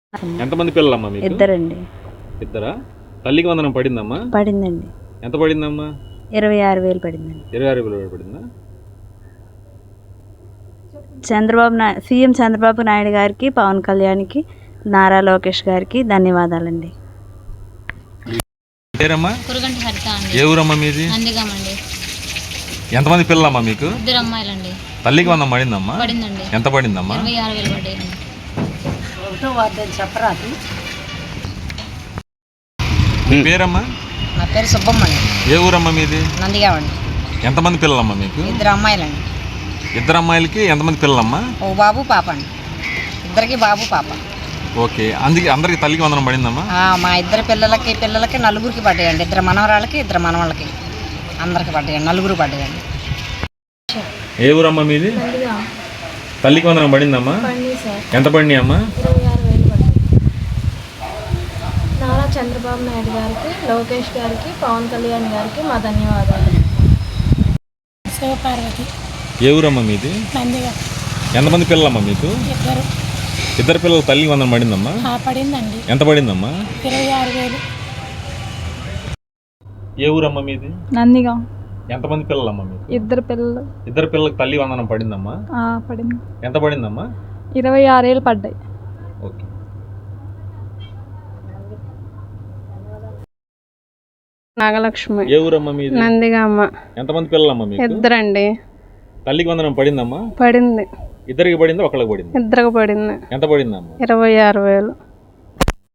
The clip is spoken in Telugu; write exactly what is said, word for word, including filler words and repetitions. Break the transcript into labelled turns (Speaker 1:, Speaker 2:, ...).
Speaker 1: ఎంతమంది పిల్లలమ్మా మీకు?
Speaker 2: ఇద్దరండి.
Speaker 1: ఇద్దరా? తల్లికి వందనం పడిందమ్మా?
Speaker 2: పడిందండి.
Speaker 1: ఎంత పడిందమ్మా?
Speaker 2: ఇరవై ఆరు వేలు పడిందండి.
Speaker 1: ఇరవై ఆరు వేలు పడిందా?
Speaker 2: చంద్రబాబు నా సీఎం చంద్రబాబు నాయుడు గారికి, పవన్ కళ్యాణ్కి, నారా లోకేష్ గారికి ధన్యవాదాలండి.
Speaker 1: పేరమ్మా?
Speaker 3: కురుగంటి హరిత అండి.
Speaker 1: ఏ ఊరమ్మా మీది?
Speaker 3: నందిగామండి.
Speaker 1: ఎంతమంది పిల్లలమ్మా మీకు?
Speaker 3: ఇద్దరు అమ్మాయిలండి.
Speaker 1: తల్లికి వందనం పడిందమ్మా?
Speaker 3: పడిందండి.
Speaker 1: ఎంత పడిందమ్మా?
Speaker 3: ఇరవై ఆరు వేలు పడ్డాయండి.
Speaker 2: చెప్పరాదు.
Speaker 1: మీ పేరమ్మా?
Speaker 4: నా పేరు సుబ్బమ్మండి.
Speaker 1: ఏ ఊరమ్మా మీది?
Speaker 4: నందిగామండి.
Speaker 1: ఎంతమంది పిల్లలమ్మా మీకు?
Speaker 4: ఇద్దరు అమ్మాయిలండి.
Speaker 1: ఇద్దరు అమ్మాయిలకి ఎంతమంది పిల్లలమ్మా?
Speaker 4: ఓ బాబు పాప అండి. ఇద్దరికి బాబు పాప.
Speaker 1: ఓకే, అందుకే అందరికి తల్లికి వందనం పడిందమ్మా?
Speaker 4: మా ఇద్దరు పిల్లలకి పిల్లలకి నలుగురికి పడ్డాయండి. ఇద్దరు మనవరాళ్ళకి ఇద్దరు మనవాళ్ళకి అందరికి పడ్డాయండి. నలుగురు పడ్డాయండి.
Speaker 1: ఏ ఊరమ్మా మీది? తల్లికి వందనం పడిందమ్మా? ఎంత పడినాయి అమ్మా?
Speaker 5: నారా చంద్రబాబు నాయుడు గారికి, లోకేష్ గారికి, పవన్ కళ్యాణ్ గారికి మా ధన్యవాదాలు. శివపార్వతి.
Speaker 1: ఏ ఊరమ్మా మీది?
Speaker 5: నందిగా.
Speaker 1: ఎంతమంది పిల్లలమ్మా మీకు?
Speaker 5: ఇద్దరు.
Speaker 1: ఇద్దరు పిల్లలు తల్లికి వందనం పడిందమ్మా?
Speaker 5: పడిందండి.
Speaker 1: ఎంత పడిందమ్మా?
Speaker 5: ఇరవై ఆరు వేలు.
Speaker 1: ఏ ఊరమ్మా మీది?
Speaker 5: నందిగా.
Speaker 1: ఎంతమంది పిల్లలమ్మా మీకు?
Speaker 5: ఇద్దరు పిల్లలు.
Speaker 1: ఇద్దరు పిల్లలకి తల్లి వందనం పడిందమ్మా?
Speaker 5: పడింది.
Speaker 1: ఎంత పడిందమ్మా?
Speaker 5: ఇరవై ఆరు వేలు పడ్డాయి.
Speaker 1: ఓకే.
Speaker 5: నాగలక్ష్మి.
Speaker 1: ఏ ఊరమ్మా మీది?
Speaker 5: నందిగా అమ్మ.
Speaker 1: ఎంతమంది పిల్లలమ్మా మీకు?
Speaker 5: ఇద్దరండి.
Speaker 1: తల్లికి వందనం పడిందమ్మా?
Speaker 5: పడింది.
Speaker 1: ఇద్దరికి పడిందా ఒకళ్ళకి పడింది?
Speaker 5: ఇద్దరికి పడింది.
Speaker 1: ఎంత పడిందమ్మా?
Speaker 5: ఇరవై ఆరు వేలు.